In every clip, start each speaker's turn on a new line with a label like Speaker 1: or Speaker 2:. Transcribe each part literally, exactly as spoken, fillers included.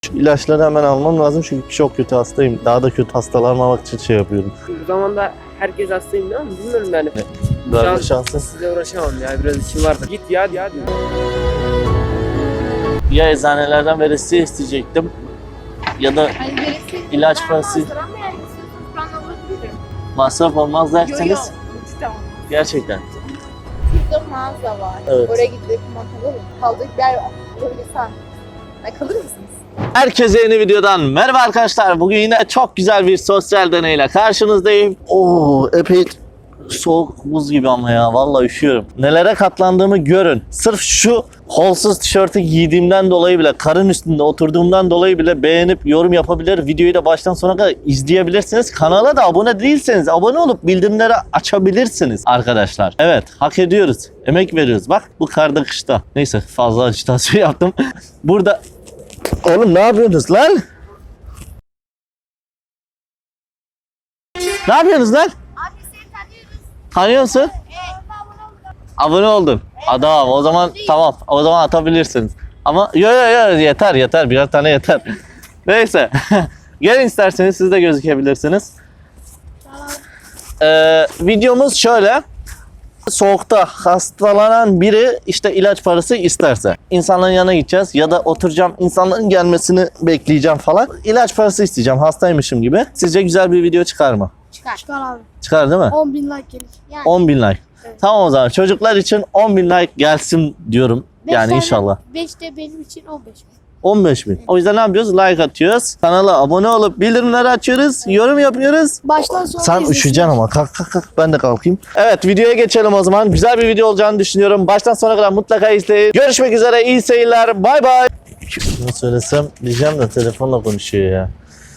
Speaker 1: Şu ilaçları hemen almam lazım çünkü çok kötü hastayım. Daha da kötü hastalanmamak için şey yapıyorum.
Speaker 2: Bu zamanda herkes hastayım değil mi? Bilmiyorum yani.
Speaker 1: Verme
Speaker 2: Şu
Speaker 1: şansın.
Speaker 2: Size uğraşamam ya, biraz işim vardı. Git ya, ya.
Speaker 1: Ya eczanelerden veresiye isteyecektim ya da
Speaker 3: Hani veresi
Speaker 1: İlaç parası.
Speaker 3: Ama yani istiyorsanız ben de alabilirim.
Speaker 1: masraf olmaz
Speaker 3: Yo yo.
Speaker 1: derseniz
Speaker 3: Tamam.
Speaker 1: gerçekten.
Speaker 3: Şurada mağaza var.
Speaker 1: Evet.
Speaker 3: Oraya gidip kalır mı? Kaldık bir yer bulabilirsen. Ay, kalır mısınız?
Speaker 1: Herkese yeni videodan merhaba arkadaşlar. Bugün yine çok güzel bir sosyal deneyle karşınızdayım. Oo, epey soğuk, buz gibi ama ya, vallahi üşüyorum. Nelere katlandığımı görün. Sırf şu kolsuz tişörtü giydiğimden dolayı bile, karın üstünde oturduğumdan dolayı bile beğenip yorum yapabilir. Videoyu da baştan sona kadar izleyebilirsiniz. Kanala da abone değilseniz abone olup bildirimleri açabilirsiniz arkadaşlar. Evet, hak ediyoruz. Emek veriyoruz. Bak bu karda kışta. Neyse, fazla ajitasyon yaptım. Burada... Oğlum ne yapıyorsunuz lan? Ne yapıyorsunuz lan?
Speaker 3: Abi seni tanıyoruz.
Speaker 1: Tanıyor musun?
Speaker 3: Evet.
Speaker 1: Abone oldum. Adam o zaman tamam. O zaman atabilirsiniz. Ama yo yo yo yeter yeter. Birer tane yeter. Neyse. Gelin isterseniz siz de gözükebilirsiniz. Ee, videomuz şöyle. Soğukta hastalanan biri işte ilaç parası isterse insanların yanına gideceğiz ya da oturacağım, insanların gelmesini bekleyeceğim falan. İlaç parası isteyeceğim hastaymışım gibi. Sizce güzel bir video çıkar mı?
Speaker 3: Çıkar. Çıkar abi.
Speaker 1: Çıkar değil mi?
Speaker 3: on bin like gelir. Yani.
Speaker 1: on bin like.
Speaker 3: Evet.
Speaker 1: Tamam o zaman çocuklar için on bin like gelsin diyorum.
Speaker 3: Beş
Speaker 1: Yani
Speaker 3: tane-
Speaker 1: inşallah.
Speaker 3: beş de benim için on beş bin.
Speaker 1: on beş bin. O yüzden ne yapıyoruz? Like atıyoruz. Kanala abone olup bildirimleri açıyoruz. Yorum yapıyoruz.
Speaker 3: Baştan sona
Speaker 1: Sen
Speaker 3: izlesinler.
Speaker 1: üşüyeceksin ama. Kalk kalk kalk. Ben de kalkayım. Evet, videoya geçelim o zaman. Güzel bir video olacağını düşünüyorum. Baştan sona kadar mutlaka izleyin. Görüşmek üzere. İyi seyirler. Bay bay. Şunu söylesem diyeceğim de telefonla konuşuyor ya.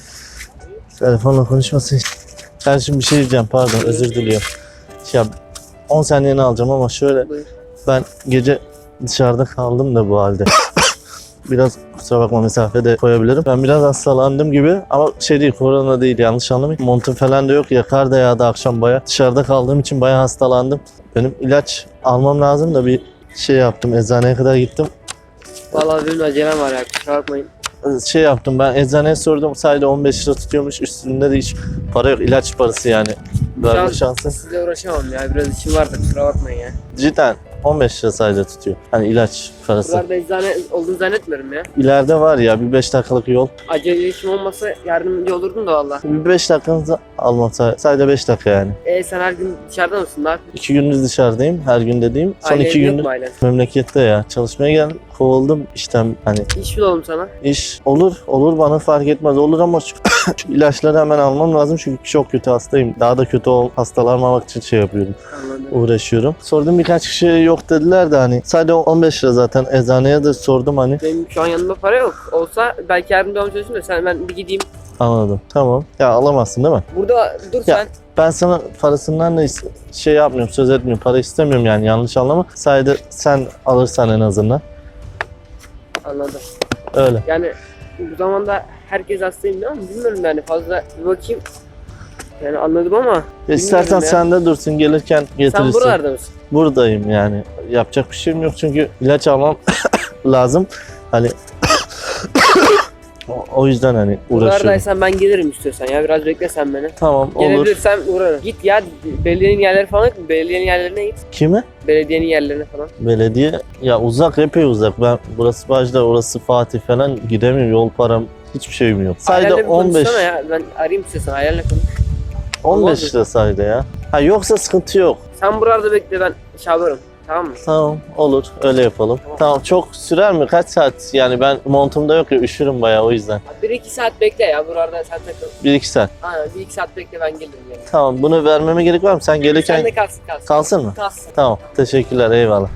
Speaker 1: Telefonla konuşmasın. Kardeşim bir şey diyeceğim. Pardon, özür diliyorum. Ya on saniyeni alacağım ama şöyle.
Speaker 2: Buyur.
Speaker 1: Ben gece dışarıda kaldım da bu halde. Biraz kusura bakma, mesafede koyabilirim. Ben biraz hastalandım gibi ama şey değil, korona değil, yanlış anlamayın. Montum falan da yok ya, kar da yağdı akşam baya. Dışarıda kaldığım için baya hastalandım. Benim ilaç almam lazım da bir şey yaptım, eczaneye kadar gittim.
Speaker 2: Vallahi benim acelem var ya, kusura bakmayın.
Speaker 1: Şey yaptım, ben eczaneye sordum, sadece on beş lira tutuyormuş, üstünde de hiç para yok, ilaç parası yani. Verme
Speaker 2: Şu an
Speaker 1: şansın.
Speaker 2: Size uğraşamam ya, biraz işim vardı, kusura bakmayın ya.
Speaker 1: Cidden on beş lira sadece tutuyor. Hani ilaç parası.
Speaker 2: Buralarda eczane olduğunu zannetmiyorum ya.
Speaker 1: İleride var ya bir beş dakikalık yol.
Speaker 2: Acele işim olmasa yardımcı olurdum da valla.
Speaker 1: Bir beş dakikanızı almak sadece beş dakika yani.
Speaker 2: E sen her gün dışarıda mısın? Ne yapıyorsun?
Speaker 1: İki gündüz dışarıdayım, her gün dediğim. Son
Speaker 2: Ailen
Speaker 1: iki
Speaker 2: yok
Speaker 1: gündür
Speaker 2: mu ailen?
Speaker 1: memlekette ya. Çalışmaya geldim, kovuldum işten, hani
Speaker 2: İş bulalım sana.
Speaker 1: iş olur, olur bana fark etmez, olur ama şu, şu ilaçları hemen almam lazım çünkü çok kötü hastayım. Daha da kötü ol, hastalanmamak için şey yapıyorum,
Speaker 2: Anladım.
Speaker 1: uğraşıyorum. Sordum, birkaç kişi yok dediler de hani sadece on beş lira zaten, eczaneye de sordum hani.
Speaker 2: Benim şu an yanımda para yok. Olsa belki yardımcı olmaya çalışırım da sen ben bir gideyim.
Speaker 1: Anladım, tamam. Ya alamazsın değil mi?
Speaker 2: Burada dur
Speaker 1: Ya.
Speaker 2: sen.
Speaker 1: Ben sana parasından da is- şey yapmıyorum, söz etmiyorum, para istemiyorum yani, yanlış anlama. Sadece sen alırsan en azından.
Speaker 2: Anladım.
Speaker 1: Öyle.
Speaker 2: Yani bu zamanda herkes hastayım değil mi? Bilmiyorum yani, fazla bir bakayım. Yani anladım ama
Speaker 1: Ya İstersen
Speaker 2: ya.
Speaker 1: sen de dursun, gelirken getirirsin.
Speaker 2: sen buralarda mısın?
Speaker 1: Buradayım yani. Yapacak bir şeyim yok çünkü ilaç almam lazım. Hani o- o yüzden hani uğraşıyorum.
Speaker 2: Buralardaysan ben gelirim istiyorsan ya, biraz bekle sen beni.
Speaker 1: Tamam, olur.
Speaker 2: Gelebilirsem uğrarım. Git ya, belediyenin yerleri falan yok mu? Belediyenin yerlerine git.
Speaker 1: Kimi?
Speaker 2: Belediyenin yerlerine falan.
Speaker 1: Belediye. Ya uzak, epey uzak. Ben burası Bajda, orası Fatih falan, gidemiyorum. Yol param, hiçbir şeyim yok. Sadece
Speaker 2: Ailenle bir
Speaker 1: on beş
Speaker 2: konuşsana ya, ben arayayım istiyorsan, ailenle konuş.
Speaker 1: on
Speaker 2: Olmaz
Speaker 1: beş
Speaker 2: mı?
Speaker 1: lira sadece ya. Ha yoksa sıkıntı yok.
Speaker 2: Sen buralarda bekle, ben çağırırım. Tamam mı?
Speaker 1: Tamam, olur, öyle yapalım.
Speaker 2: Tamam.
Speaker 1: Tamam, çok sürer mi? Kaç saat? Yani ben montumda yok ya, üşürüm bayağı, o yüzden.
Speaker 2: bir iki saat bekle ya, buralarda sen takıl.
Speaker 1: bir iki saat.
Speaker 2: Aynen, bir iki saat bekle, ben gelirim yani.
Speaker 1: Tamam, bunu vermeme gerek var mı? Sen gelirken
Speaker 2: Sen de kalsın kalsın.
Speaker 1: kalsın mı?
Speaker 2: Kalsın.
Speaker 1: Tamam, teşekkürler, eyvallah.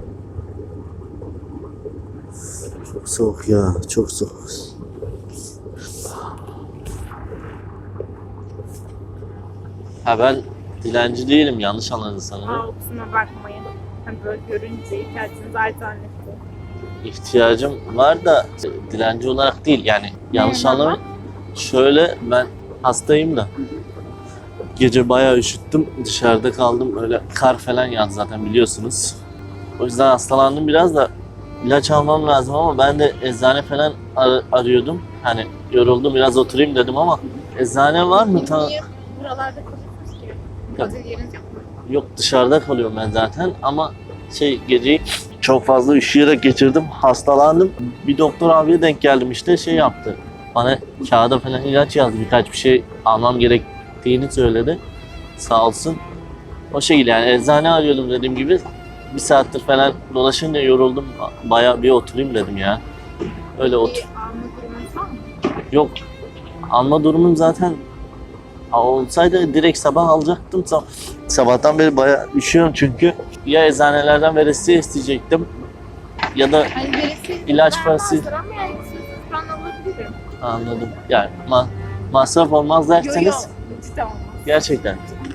Speaker 1: Çok soğuk ya, çok soğuk. Ha ben dilenci değilim, yanlış anladın sanırım.
Speaker 4: Aa, kusura bakmayın. Hani böyle görünce ihtiyacınız arz zannettim.
Speaker 1: İhtiyacım var da dilenci olarak değil yani, yanlış
Speaker 4: Ne,
Speaker 1: anlamayın. Şöyle, ben hastayım da gece bayağı üşüttüm, dışarıda kaldım, öyle kar falan yağdı zaten biliyorsunuz. O yüzden hastalandım biraz da ilaç almam lazım ama ben de eczane falan ar- arıyordum. Hani yoruldum biraz oturayım dedim ama eczane var mı? Ta-
Speaker 4: Niye buralarda kalıyorsunuz ki? Özel yeriniz yok mu?
Speaker 1: Yok, dışarıda kalıyorum ben zaten ama şey geceyi çok fazla üşüyerek geçirdim. Hastalandım. Bir doktor abiye denk geldim işte şey yaptı. Bana kağıda falan ilaç yazdı. Birkaç bir şey almam gerektiğini söyledi. Sağ olsun. O şekilde yani eczane arıyordum dediğim gibi. Bir saattir falan dolaşınca yoruldum. Bayağı bir oturayım dedim ya. Öyle otur.
Speaker 4: Bir alma durumunuz var mı?
Speaker 1: Yok. Alma durumum zaten olsaydı direkt sabah alacaktım. Sab- Sabahtan beri bayağı üşüyorum çünkü. Ya eczanelerden veresiye isteyecektim ya da
Speaker 4: Hani birisi
Speaker 1: İlaç
Speaker 4: ben
Speaker 1: parası-
Speaker 4: vardır ama yani istiyorsanız ben alabilirim.
Speaker 1: anladım. Yani ma- masraf olmaz
Speaker 4: Yo
Speaker 1: derseniz
Speaker 4: yo. Cidden olmaz.
Speaker 1: gerçekten.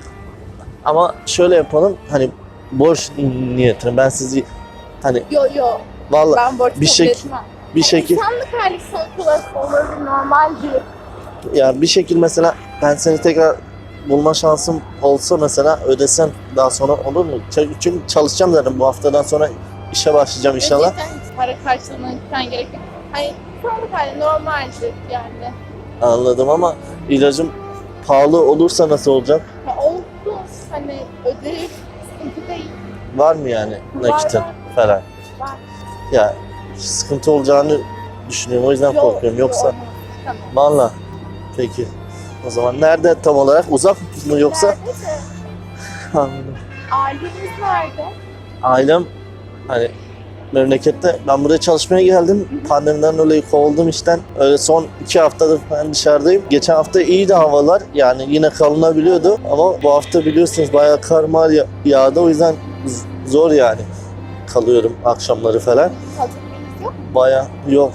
Speaker 1: Ama şöyle yapalım hani borç niyetine ben sizi hani
Speaker 3: Yo yo.
Speaker 1: vallahi
Speaker 3: Ben borç
Speaker 1: bir
Speaker 3: kabul
Speaker 1: şey-
Speaker 3: etmem.
Speaker 1: bir şekil
Speaker 3: İnsanlık hali sonuç olarak olur normaldir.
Speaker 1: ya bir şekil mesela ben seni tekrar bulma şansım olsa mesela ödesem daha sonra olur mu? Ç- Çünkü çalışacağım zaten bu haftadan sonra işe başlayacağım inşallah.
Speaker 3: Gerçekten hiç para karşılığına gitmen gerek yok. Hani insanlık hali normaldir yani.
Speaker 1: Anladım ama ilacım pahalı olursa nasıl olacak?
Speaker 3: Ya olsun hani ödeyip sıkıntı değil.
Speaker 1: Var mı yani
Speaker 3: Var,
Speaker 1: nakitin
Speaker 3: var.
Speaker 1: falan?
Speaker 3: Var.
Speaker 1: Ya sıkıntı olacağını düşünüyorum o yüzden
Speaker 3: Yok,
Speaker 1: korkuyorum.
Speaker 3: yok,
Speaker 1: Yoksa
Speaker 3: olmaz. Tamam.
Speaker 1: valla peki. O zaman nerede tam olarak? Uzak mı yoksa?
Speaker 3: Nerede de?
Speaker 1: Anladım.
Speaker 3: Ailemiz nerede?
Speaker 1: Ailem hani memlekette. Ben buraya çalışmaya geldim. Pandemiden dolayı kovuldum işten. Öyle son iki haftadır ben dışarıdayım. Geçen hafta iyiydi havalar. Yani yine kalınabiliyordu. Ama bu hafta biliyorsunuz bayağı kar mar ya- yağdı. O yüzden z- zor yani. Kalıyorum akşamları falan.
Speaker 3: Kalacak yerimiz yok.
Speaker 1: Bayağı yok.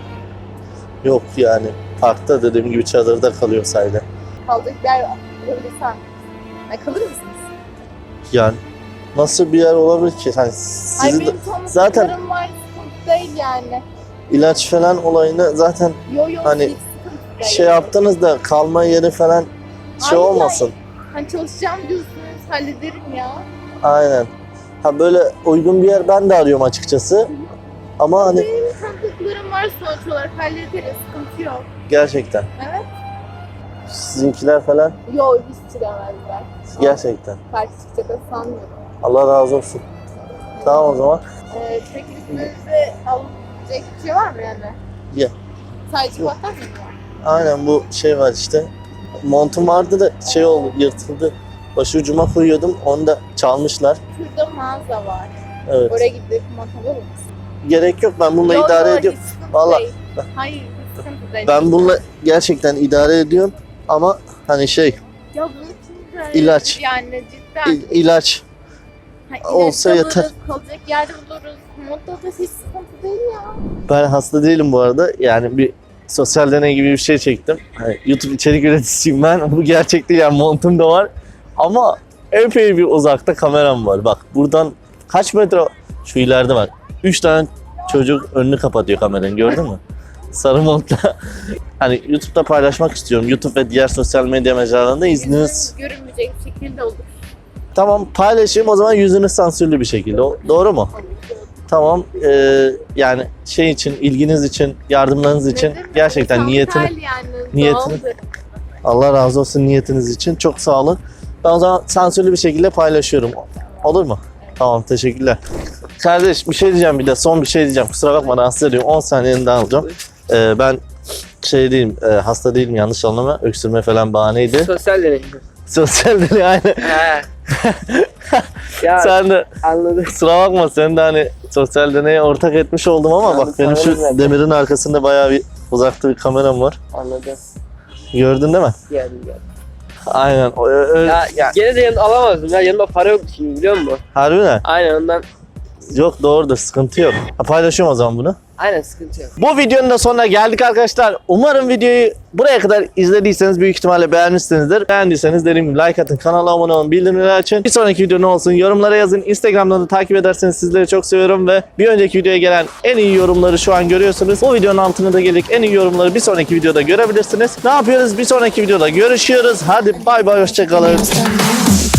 Speaker 1: Yok yani. Parkta dediğim gibi çadırda kalıyor sayede.
Speaker 3: Kalacak bir yer bulabilirsen. Yani kalır mısınız?
Speaker 1: Yani nasıl bir yer olabilir ki? Hani
Speaker 3: Hayır
Speaker 1: sizin de
Speaker 3: benim
Speaker 1: zaten-
Speaker 3: tanıdıklarım var, sıkıntı değil yani.
Speaker 1: ilaç falan olayını zaten
Speaker 3: Yo yo
Speaker 1: Hani
Speaker 3: hiç sıkıntı değil.
Speaker 1: şey yaptınız da kalma yeri falan şey
Speaker 3: Hayır,
Speaker 1: olmasın.
Speaker 3: Hani çalışacağım diyorsunuz hallederim ya.
Speaker 1: Aynen. Ha böyle uygun bir yer ben de arıyorum açıkçası. Ama hani
Speaker 3: Benim tanıdıklarım var sonuç olarak hallederiz sıkıntı yok.
Speaker 1: gerçekten
Speaker 3: Evet.
Speaker 1: sizinkiler falan
Speaker 3: Yo hiç çilemezler.
Speaker 1: gerçekten.
Speaker 3: Karşı çıkacak sanmıyorum.
Speaker 1: Allah razı olsun. Tamam o zaman.
Speaker 3: Ee, peki üstünüzde alınacak bir şey var mı yani?
Speaker 1: Ya.
Speaker 3: Sadece batar mı var?
Speaker 1: Aynen bu şey var işte. Montum vardı da şey oldu yırtıldı. Başucuma koyuyordum onu da çalmışlar.
Speaker 3: Şurada mağaza var.
Speaker 1: Evet.
Speaker 3: Oraya gidip mont alır mısın?
Speaker 1: Gerek yok ben bununla
Speaker 3: Yo,
Speaker 1: idare
Speaker 3: yo,
Speaker 1: ediyorum.
Speaker 3: hiç sıkıntı
Speaker 1: Vallahi-
Speaker 3: değil. Hayır hiç sıkıntı değil.
Speaker 1: Ben bununla gerçekten idare ediyorum. Ama hani şey
Speaker 3: Ya bunun için de
Speaker 1: İlaç.
Speaker 3: yani cidden.
Speaker 1: il- ilaç
Speaker 3: Ha, ilaç
Speaker 1: olsa
Speaker 3: alırız,
Speaker 1: yeter.
Speaker 3: kalacak yer buluruz. Mont da hiç sıkıntı değil ya.
Speaker 1: ben hasta değilim bu arada. Yani bir sosyal deney gibi bir şey çektim. Hani YouTube içerik üreticisiyim ben. Bu gerçek değil yani montum da var. Ama epey bir uzakta kameram var. Bak buradan kaç metre şu ileride var. Üç tane çocuk önünü kapatıyor kameranın gördün mü? Sarı montla. Hani YouTube'da paylaşmak istiyorum. YouTube ve diğer sosyal medya mecralarında izniniz.
Speaker 3: Yüzün görünmeyecek bir şekilde olur.
Speaker 1: Tamam paylaşayım o zaman yüzünüz sansürlü bir şekilde. O- Doğru mu? Tamam. Ee, yani şey için, ilginiz için, yardımlarınız için
Speaker 3: Nedir?
Speaker 1: gerçekten
Speaker 3: Tam
Speaker 1: niyetini
Speaker 3: hal yani,
Speaker 1: niyetini-
Speaker 3: doğaldır.
Speaker 1: Allah razı olsun niyetiniz için. Çok sağ olun. Ben o zaman sansürlü bir şekilde paylaşıyorum. Olur mu? Tamam teşekkürler. Kardeş bir şey diyeceğim bir de son bir şey diyeceğim. Kusura bakma rahatsız ediyorum. on saniyeni daha alacağım. Ee, ben şey değilim, e, hasta değilim yanlış anlama. Öksürme falan bahaneydi.
Speaker 2: Sosyal deney.
Speaker 1: Sosyal deney aynı.
Speaker 2: He. Ya
Speaker 1: Sen de
Speaker 2: anladım.
Speaker 1: kusura bakma sen de hani sosyal deneye ortak etmiş oldum ama
Speaker 2: Anladım,
Speaker 1: bak benim şu
Speaker 2: sanırım zaten.
Speaker 1: demirin arkasında bayağı bir uzakta bir kameram var.
Speaker 2: Anladım.
Speaker 1: Gördün değil mi?
Speaker 2: Geldim geldim.
Speaker 1: Aynen. O, ö- ö-
Speaker 2: Ya,
Speaker 1: ya,
Speaker 2: gene de yanımda alamazdım ya. Yanımda para yoktu şimdi biliyor musun?
Speaker 1: harbi mi?
Speaker 2: Aynen ondan.
Speaker 1: Yok doğrudur sıkıntı yok. Ha, paylaşıyorum o zaman bunu.
Speaker 2: Aynen sıkıntı yok.
Speaker 1: Bu videonun da sonuna geldik arkadaşlar. Umarım videoyu buraya kadar izlediyseniz büyük ihtimalle beğenmişsinizdir. Beğendiyseniz dediğim gibi like atın, kanala abone olun, bildirimleri açın. Bir sonraki video ne olsun yorumlara yazın. Instagram'dan da takip ederseniz sizleri çok seviyorum ve bir önceki videoya gelen en iyi yorumları şu an görüyorsunuz. Bu videonun altına da gelip en iyi yorumları bir sonraki videoda görebilirsiniz. Ne yapıyoruz? Bir sonraki videoda görüşüyoruz. Hadi bay bay hoşçakalın.